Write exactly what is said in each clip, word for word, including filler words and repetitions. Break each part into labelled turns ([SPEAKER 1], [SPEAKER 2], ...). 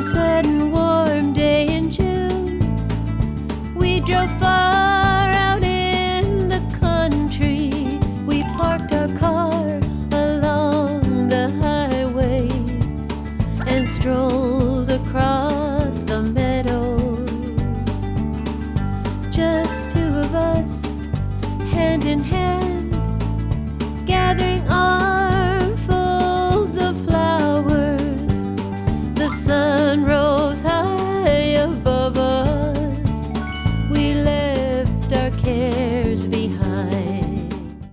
[SPEAKER 1] sunset and warm day in June. We drove far out in the country. We parked our car along the highway and strolled across the meadows. Just two of us, hand in hand, gathering armfuls of flowers. The sun rose high above us. We left our cares behind.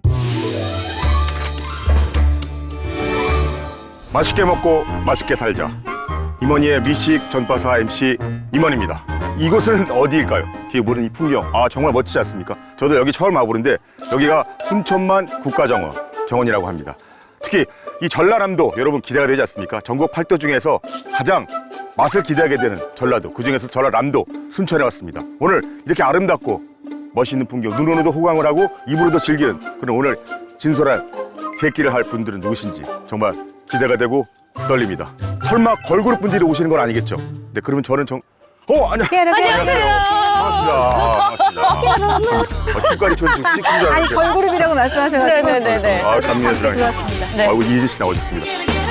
[SPEAKER 2] 맛있게 먹고 맛있게 살자. 임원희의 미식 전파사 엠씨 임원입니다. 이곳은 어디일까요? 뒤에 보는 이 풍경, 아 정말 멋지지 않습니까? 저도 여기 처음 와보는데 여기가 순천만 국가정원, 정원이라고 합니다. 특히 이 전라남도 여러분 기대가 되지 않습니까? 전국 팔도 중에서 가장 맛을 기대하게 되는 전라도, 그중에서 전라남도 순천에 왔습니다. 오늘 이렇게 아름답고 멋있는 풍경, 눈으로도 호강을 하고 입으로도 즐기는 그런 오늘 진솔한 새끼를 할 분들은 누구신지 정말 기대가 되고 떨립니다. 설마 걸그룹 분들이 오시는 건 아니겠죠? 네, 그러면 저는 정... 어, 안녕.
[SPEAKER 3] 안녕하세요.
[SPEAKER 2] 반갑습니다. 아, 반갑습니다. 아, 축가리 촌 지금 찍힌 줄
[SPEAKER 3] 아니
[SPEAKER 2] 알았는데.
[SPEAKER 3] 걸그룹이라고 말씀하셔가지고
[SPEAKER 4] 네네네네.
[SPEAKER 2] 아, 감미연수랑.
[SPEAKER 3] 들어왔습니다.
[SPEAKER 4] 네.
[SPEAKER 2] 아이고, 이혜진 씨 나오셨습니다.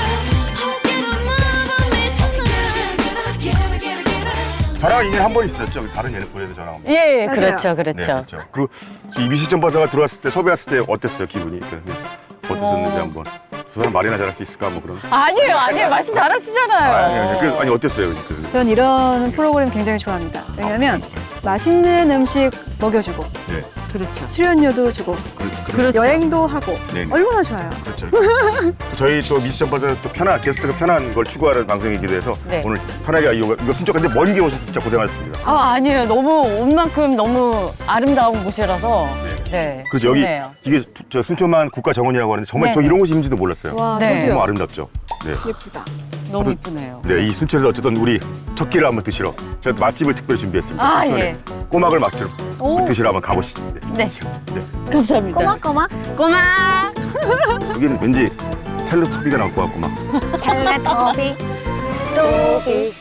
[SPEAKER 2] 저랑 인연 한 번 있었죠? 다른 예능부에서 저랑 한 번.
[SPEAKER 4] 예,
[SPEAKER 3] 맞아요.
[SPEAKER 4] 그렇죠,
[SPEAKER 2] 네,
[SPEAKER 4] 그렇죠.
[SPEAKER 2] 그렇죠. 그리고 이 미식 전파사가 들어왔을 때, 섭외했을 때 어땠어요, 기분이? 어땠었는지
[SPEAKER 4] 어.
[SPEAKER 2] 한번. 두 사람 말이나 잘할 수 있을까, 뭐 그런.
[SPEAKER 4] 아니에요, 아니에요. 말씀 잘하시잖아요.
[SPEAKER 2] 아니, 아니, 아니, 그, 아니 어땠어요? 그,
[SPEAKER 3] 전 이런 프로그램 굉장히 좋아합니다. 왜냐면 맛있는 음식 먹여주고
[SPEAKER 2] 네,
[SPEAKER 4] 그렇죠.
[SPEAKER 3] 출연료도 주고
[SPEAKER 2] 그, 그,
[SPEAKER 4] 그렇죠.
[SPEAKER 3] 여행도 하고
[SPEAKER 2] 네, 네.
[SPEAKER 3] 얼마나 좋아요.
[SPEAKER 2] 그렇죠. 저희 또 미식 전파사 또 편한 게스트가 편한 걸 추구하는 방송이기도 해서
[SPEAKER 4] 네. 오늘
[SPEAKER 2] 오늘 편하게 이거, 이거 순천 근데 먼 길 오셔서 진짜 고생하셨습니다.
[SPEAKER 4] 아, 아니에요. 너무 온 만큼 너무 아름다운 곳이라서. 네.
[SPEAKER 2] 그렇죠. 여기
[SPEAKER 4] 좋네요.
[SPEAKER 2] 이게 수- 저 순천만 국가정원이라고 하는데 정말
[SPEAKER 4] 네,
[SPEAKER 2] 저
[SPEAKER 4] 네.
[SPEAKER 2] 이런 곳이 있는지도 몰랐어요.
[SPEAKER 3] 와
[SPEAKER 4] 네.
[SPEAKER 3] 저도요.
[SPEAKER 2] 너무 아름답죠. 네.
[SPEAKER 3] 예쁘다.
[SPEAKER 4] 너무 이쁘네요.
[SPEAKER 2] 네, 이 순천에서 어쨌든 우리 첫 끼를 한번 드시러 제가 맛집을 특별히 준비했습니다.
[SPEAKER 4] 아,
[SPEAKER 2] 순천에
[SPEAKER 4] 예.
[SPEAKER 2] 꼬막을 맛집
[SPEAKER 4] 오.
[SPEAKER 2] 드시러 한번 가보시죠. 네.
[SPEAKER 4] 네. 감사합니다.
[SPEAKER 3] 꼬막꼬막
[SPEAKER 4] 꼬막.
[SPEAKER 2] 여기는 왠지 텔레토비가 나올 것 같고 막.
[SPEAKER 3] 텔레토비 또비